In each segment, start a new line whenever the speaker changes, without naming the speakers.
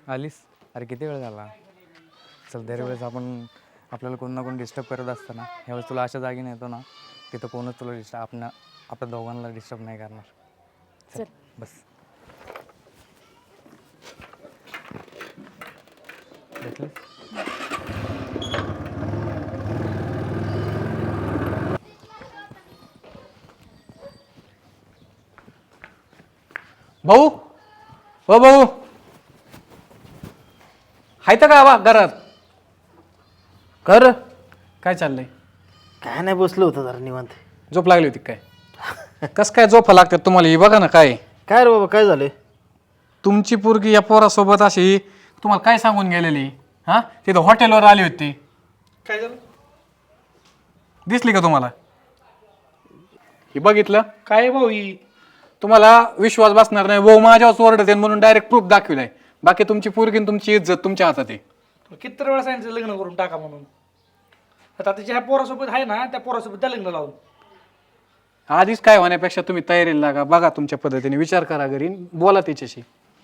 आलीस? अरे किती वेळ झाला. चल दरवेळेस आपल्याला कोण ना कोण डिस्टर्ब करत असतं ना, ह्यावेळेस तुला अशा जागी नेतो ना तिथं कोणच तुला आपल्या दोघांना डिस्टर्ब नाही करणार. चल बस. भेटले?
भाऊ हो भाऊ हाय तर का घरात?
कर
काय चाललंय?
काय नाही बसलो होतं जरा निवांत.
झोप लागली होती काय? कस काय झोपा लागतात तुम्हाला? ही बघा ना काय
काय रे बाबा काय झालंय?
तुमची पोरगी या पोरासोबत अशी तुम्हाला काय सांगून गेलेली? हा तिथं हॉटेलवर आली होती.
काय झालं?
दिसली का तुम्हाला? हे बघितलं?
काय भाऊ ही?
तुम्हाला विश्वास बसणार नाही. भाऊ माझ्यावर ओरडते म्हणून डायरेक्ट प्रूफ दाखविलाय. बाकी तुमची पोरगी आणि तुमची इज्जत तुमच्या हातात आहे.
किती वेळा सांगितलं लग्न करून टाका म्हणून. आता तिच्या ह्या पोरासोबत आहे ना, त्या पोरासोबत त्या लग्न लावून.
आधीच काय होण्यापेक्षा तुम्ही तयारीला लागा. बघा तुमच्या पद्धतीने विचार करा घरी, बोला तिच्याशी.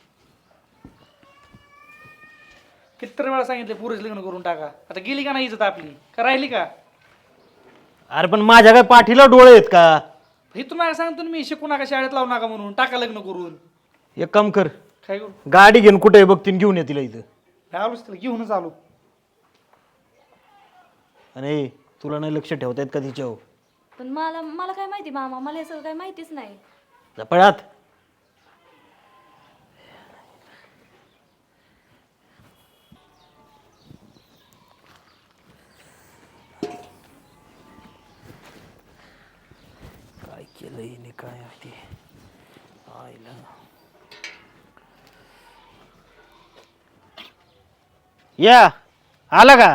किती वेळा सांगितले पुरेच लग्न करून टाका. आता गेली का नाही इज्जत आपली? का राहिली का?
अरे पण माझ्या काय पाठीला डोळे आहेत का?
हे तुम्हाला सांगतो ना मी, शिकू नका, शाळेत लावू नका म्हणून. टाका लग्न करून.
एक काम कर,
काय करू?
गाडी घेऊन कुठे बघतीन घेऊन ये तिला इथं.
आलोच तिला घेऊनच आलो.
अरे तुला नाही लक्ष ठेवता येत का तिच्यावर?
पण मला काय माहिती मामा, मला हे सगळं काही माहितीच नाही.
पळात काय केलं हिने काय ते आईला. या आला का?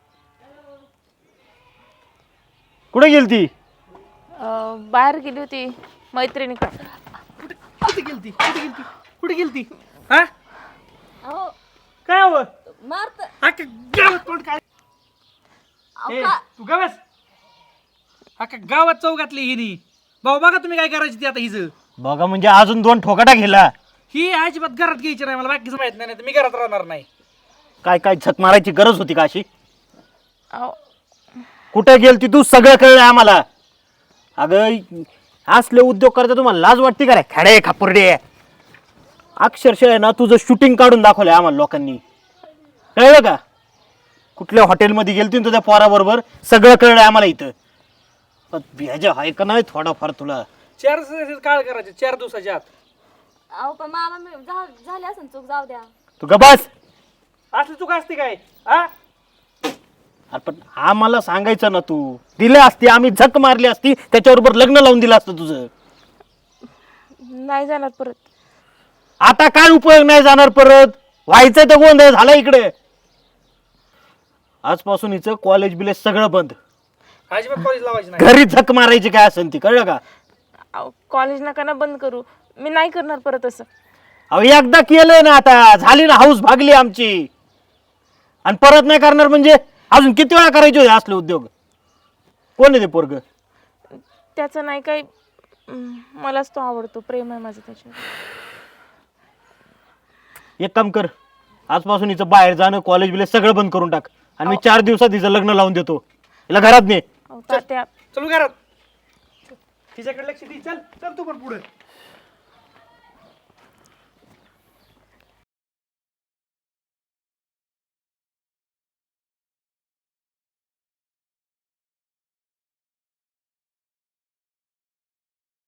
कुठे गेली ती?
बाहेर गेली होती मैत्रिणीकडे.
कुठे गेलती? कुठे गेलती? कुठे गेलती? हा?
अहो
काय हवं?
मारत
अख्खा गावात कोण काय? ए, तू गावास अख्खा गावात चौकातली हिनी. भाऊ बघा तुम्ही काय करायची ती आता हिचं.
बघा म्हणजे अजून 2 ठोकाटा गेला.
ही अजिबात घरात घ्यायची नाही. मला बाकीचं माहित नाही, तर मी घरात राहणार नाही.
काय काय झक मारायची गरज होती का अशी?
अहो,
कुठे गेलती तू? सगळं कळलं आम्हाला. अगं असले उद्योग करता तुम्हाला लाज वाटते का रे? खडे खापुर्डे अक्षरशः आहे ना तुझं शूटिंग काढून दाखवलंय आम्हाला लोकांनी. कळलं का? कुठल्या हॉटेलमध्ये गेलती तुझ्या पोराबरोबर सगळं कळलंय आम्हाला इथं. पण भेजा आहे का नाही थोडाफार तुला?
4 दिवसाची काळ करायचे, 4 दिवसाच्या आत.
अहो पण मामा मी झाली असेल चूक, जाऊ द्या.
तू गबास.
असली चूक असते काय? हा?
पण आम्हाला सांगायचं ना, तू दिले असती, आम्ही झक मारली असती, त्याच्याबरोबर लग्न लावून दिलं असतं तुझं.
नाही जाणार परत.
आता काय उपयोग नाही जाणार परत? व्हायचंय तर गोंधळ झाला इकडे. आजपासून हिचं कॉलेज बिलेज सगळं बंद.
अजिबात कॉलेज लावायची नाही.
घरी झक मारायची काय असेल ती, कळलं का?
अहो, कॉलेज नका ना बंद करू. मी नाही करणार परत असं.
अहो एकदा केलंय ना, आता झाली ना हाऊस भागली आमची. आणि परत नाही करणार म्हणजे अजून किती वेळा करायचे होते असले उद्योग? कोण आहे ते पोरग?
त्याचं नाही काही, मलाच तो आवडतो. प्रेम आहे माझं त्याच्यावर.
एक काम कर, आजपासून हिचं बाहेर जाणं कॉलेज बिलेज सगळं बंद करून टाक. आणि मी 4 दिवसात हिचं लग्न लावून देतो. हिला घरात ने.
अहो, तात्या
चलू घरात. तिच्याकडे लक्ष दे. चल चल तू पण पुढे.